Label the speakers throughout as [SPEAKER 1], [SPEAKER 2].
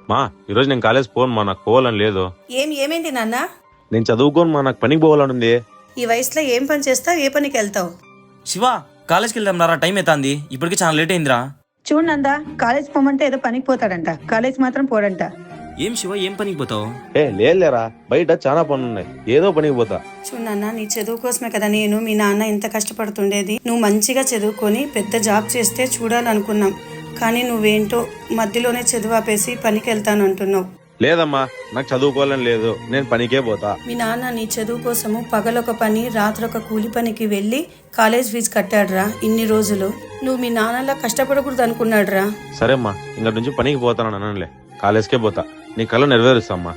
[SPEAKER 1] మా ఈరోజు నేను కాలేజ్ పోను మా, నాకు పోవాలని లేదు.
[SPEAKER 2] ఏమైంది నాన్న?
[SPEAKER 1] నేను చదువుకోను మా, నాకు పనికి పోవాలని ఉంది.
[SPEAKER 2] ఈ వయసులో ఏం పని చేస్తావు, ఏ పనికి వెళ్తావు?
[SPEAKER 3] శివ, కాలేజ్కి వెళ్దాం రా, టైం అవుతుంది. ఇప్పటికి చాలా లేట్ అయిందిరా.
[SPEAKER 2] చూడు నందా, కాలేజ్ పోమంటే ఏదో పనికి పోతాడంట, కాలేజ్ మాత్రం పోడంట.
[SPEAKER 3] ఏం శివ, ఏం పనికి పోతావు?
[SPEAKER 1] లేదులేరా, బయట చాలా పనులు ఉన్నాయి, ఏదో పనికి పోతా.
[SPEAKER 2] చూడు నాన్న, నీ చదువు కోసమే కదా నేను మీ నాన్న ఎంత కష్టపడుతుండేది. నువ్వు మంచిగా చదువుకొని పెద్ద జాబ్ చేస్తే చూడాలనుకున్నాం, కానీ నువ్వేంటో మధ్యలోనే చదువు ఆపేసి పనికి వెళ్తాను అంటున్నావు.
[SPEAKER 1] లేదమ్మా, నాకు చదువుకోవాలని లేదు, నేను పనికే పోతా.
[SPEAKER 2] మీ నాన్న నీ చదువు కోసము పగలొక పని రాత్రొక కూలి పనికి వెళ్ళి కాలేజ్ ఫీజు కట్టాడురా. ఇన్ని రోజులు నువ్వు మీ నాన్నలా కష్టపడకూడదు అనుకున్నాడురా.
[SPEAKER 1] సరే అమ్మా, ఇంక నుంచి పనికి పోతాను అనలే, కాలేజ్కే పోతా. నీ కళ నెరవేరుస్తామ్మా.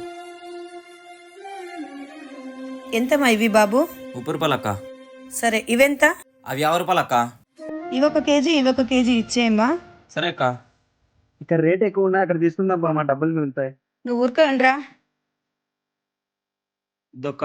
[SPEAKER 2] ఎంతమ్మా ఇవి బాబు?
[SPEAKER 3] 30 రూపాయలు అక్క.
[SPEAKER 2] సరే, ఇవెంత?
[SPEAKER 3] అవి 50 రూపాయలు అక్క.
[SPEAKER 2] ఇవొక కేజీ ఇవొక కేజీ ఇచ్చేయమ్మా.
[SPEAKER 3] సరే అక్క.
[SPEAKER 4] ఇక్కడ రేట్ ఎక్కువ ఉన్నాయి, అక్కడ తీసుకుందాం మా డబ్బులు మిగులుతాయి.
[SPEAKER 2] నువ్వు ఊరుకోండ్రా.
[SPEAKER 3] ఇదొక్క.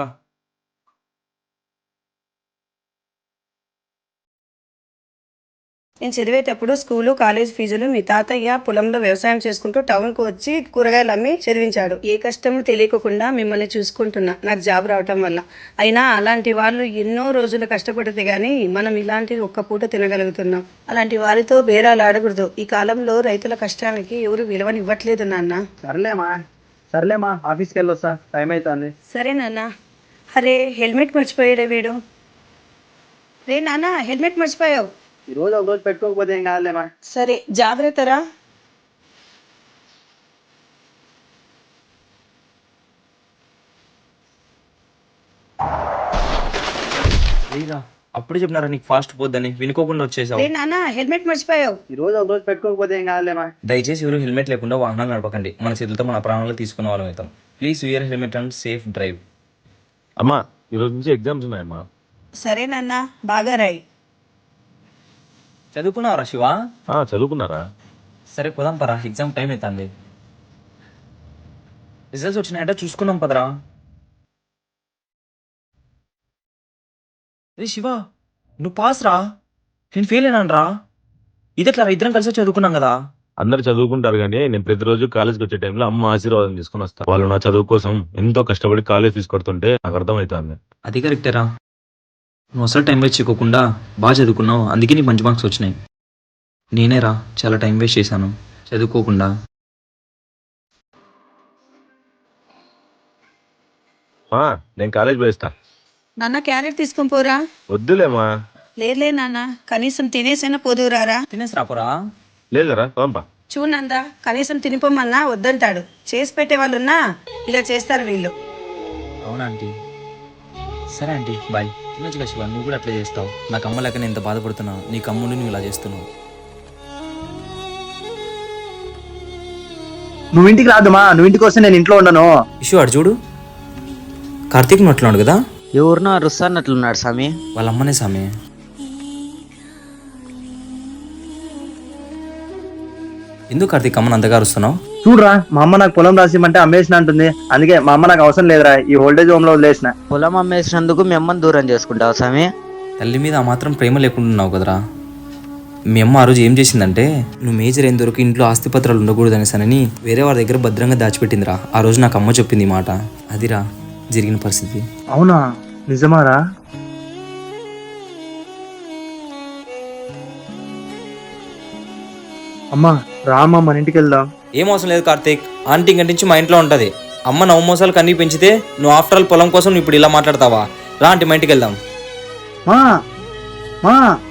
[SPEAKER 2] నేను చదివేటప్పుడు స్కూలు కాలేజ్ ఫీజులు మీ తాతయ్య పొలంలో వ్యవసాయం చేసుకుంటూ టౌన్కు వచ్చి కూరగాయలు అమ్మి చదివించాడు. ఏ కష్టము తెలియకుండా మిమ్మల్ని చూసుకుంటున్నా నాకు జాబ్ రావటం వల్ల. అయినా అలాంటి వాళ్ళు ఎన్నో రోజులు కష్టపడితే గానీ మనం ఇలాంటి ఒక్క పూట తినగలుగుతున్నాం. అలాంటి వారితో బేరాలు ఆడకూడదు. ఈ కాలంలో రైతుల కష్టానికి ఎవరు విలువనివ్వట్లేదు నాన్న.
[SPEAKER 4] సర్లేమా ఆఫీస్కి వెళ్ళొస్తా, టైం అవుతుంది.
[SPEAKER 2] సరే నాన్న. అరే, హెల్మెట్ మర్చిపోయాడే వీడు. రే నాన్న, హెల్మెట్ మర్చిపోయావు.
[SPEAKER 4] ఈ రోజు ఒక రోజు పెట్టుకోకపోతే ఏం కాదులేమా.
[SPEAKER 2] సరే, జాగ్రత్తరా.
[SPEAKER 3] అప్పుడు చెప్పినారా నీకు ఫాస్ట్ పోద్దని, వినుకోకుండా వచ్చేసావు.
[SPEAKER 2] రే నాన్న, హెల్మెట్ మర్చిపోయావు.
[SPEAKER 4] ఈ రోజు ఒక రోజు పెట్టుకోకపోతే ఏం కాదులేమా.
[SPEAKER 3] దయచేసి ఎవరు హెల్మెట్ లేకుండా వాహనాలు నడపకండి. మన చేతులతో మన ప్రాణాలు తీసుకునే వాళ్ళం అవుతాం. Please wear helmet and safe drive.
[SPEAKER 1] అమ్మా, ఈరోజు నుంచి ఎగ్జామ్స్ ఉన్నాయమ్మా.
[SPEAKER 2] సరే నాన్న, బాగా రాయి.
[SPEAKER 3] చదువుకున్నావరా శివ?
[SPEAKER 1] చదువుకున్నారా?
[SPEAKER 3] సరే పోదాం పరా, ఎగ్జామ్ టైం అవుతుంది. రిజల్ట్స్ వచ్చినాయంటే చూసుకుందాం పదరా. రే శివ, నువ్వు పాస్ రా, నేను ఫెయిల్ అయినాను రా. ఇది ఎట్లా, ఇద్దరం కలిసి చదువుకున్నాం కదా.
[SPEAKER 1] అందరు చదువుకుంటారు కానీ నేను ప్రతిరోజు కాలేజ్కి వచ్చే టైంలో అమ్మ ఆశీర్వాదం తీసుకుని వస్తాను. వాళ్ళు నా చదువు కోసం ఎంతో కష్టపడి కాలేజ్ తీసుకొడుతుంటే నాకు అర్థమవుతుంది.
[SPEAKER 3] అది కరెక్టేరా, నువ్వు అసలు టైం వేస్ట్ చేయకుండా బాగా చదువుకున్నావు, అందుకే నీకు మంచి మార్క్స్ వచ్చినాయి. నేనేరా చాలా టైం వేస్ట్ చేశాను చదువుకోకుండా.
[SPEAKER 1] నేను కాలేజ్ పోయిస్తా.
[SPEAKER 2] నాన్న, క్యారెట్ తీసుకొని పోరా.
[SPEAKER 1] వద్దులేమా.
[SPEAKER 2] లేదులే నాన్న, కనీసం తినేసైనా పోదురారా.
[SPEAKER 3] తినేసి రాపోరా.
[SPEAKER 1] లేదరా, పంపా.
[SPEAKER 2] చూడందా, కనీసం తినిపోమన్నా వద్దంటాడు. చేసి పెట్టే వాళ్ళున్నా ఇలా చేస్తారు వీళ్ళు.
[SPEAKER 3] అవునా ఆంటీ? సరే ఆంటీ, బాయ్. తినొచ్చుగా శివ, నువ్వు కూడా అట్లా చేస్తావు. నాకు అమ్మ లేక నేను ఎంత బాధపడుతున్నావు, నీకు అమ్ముండి నువ్వు ఇలా చేస్తున్నావు.
[SPEAKER 4] నువ్వు ఇంటికి రాదుమా, నువ్వు ఇంటికి వస్తే నేను ఇంట్లో ఉండను.
[SPEAKER 3] ఇష్యూ అడు చూడు, కార్తీక్ అట్లా కదా.
[SPEAKER 5] ఎవరినో అరుస్తానట్లున్నాడు స్వామి.
[SPEAKER 3] వాళ్ళ అమ్మనే స్వామి. ఎందుకు కార్తీక్ అమ్మని అంతగా అరుస్తున్నావు?
[SPEAKER 4] చూడరా, మా అమ్మ నాకు పొలం రాసిమంటే అమ్మేసిన అంటుంది. అందుకే మా అమ్మ నాకు అవసరం లేదురా, ఈ ఓల్డేజ్ హోమ్ లో వదిలేసిన.
[SPEAKER 5] పొలం అమ్మేసినందుకు మీ అమ్మని దూరం చేసుకుంటావు స్వామి.
[SPEAKER 3] తల్లి మీద ఆ మాత్రం ప్రేమ లేకుంటున్నావు కదరా. మీ అమ్మ ఆ రోజు ఏం చేసిందంటే, నువ్వు మేజర్ అయిన దొరికి ఇంట్లో ఆస్తిపత్రాలు ఉండకూడదనేసనని వేరే వారి దగ్గర భద్రంగా దాచిపెట్టిందిరా. ఆ రోజు నాకు అమ్మ చెప్పింది ఈ మాట. అదిరా జరిగిన పరిస్థితి.
[SPEAKER 4] అవునా, నిజమారా? అమ్మా రామా, మన ఇంటికి వెళ్దాం.
[SPEAKER 3] ఏం అవసరం లేదు కార్తీక్, ఆంటీ గంటించి మా ఇంట్లో ఉంటుంది. అమ్మ నవమోసాలు కన్నీ పెంచితే నువ్వు ఆఫ్టర్ ఆల్ పొలం కోసం నువ్వు ఇప్పుడు ఇలా మాట్లాడతావా? రా ఆంటీ, మా ఇంటికి వెళ్దాం.
[SPEAKER 4] మా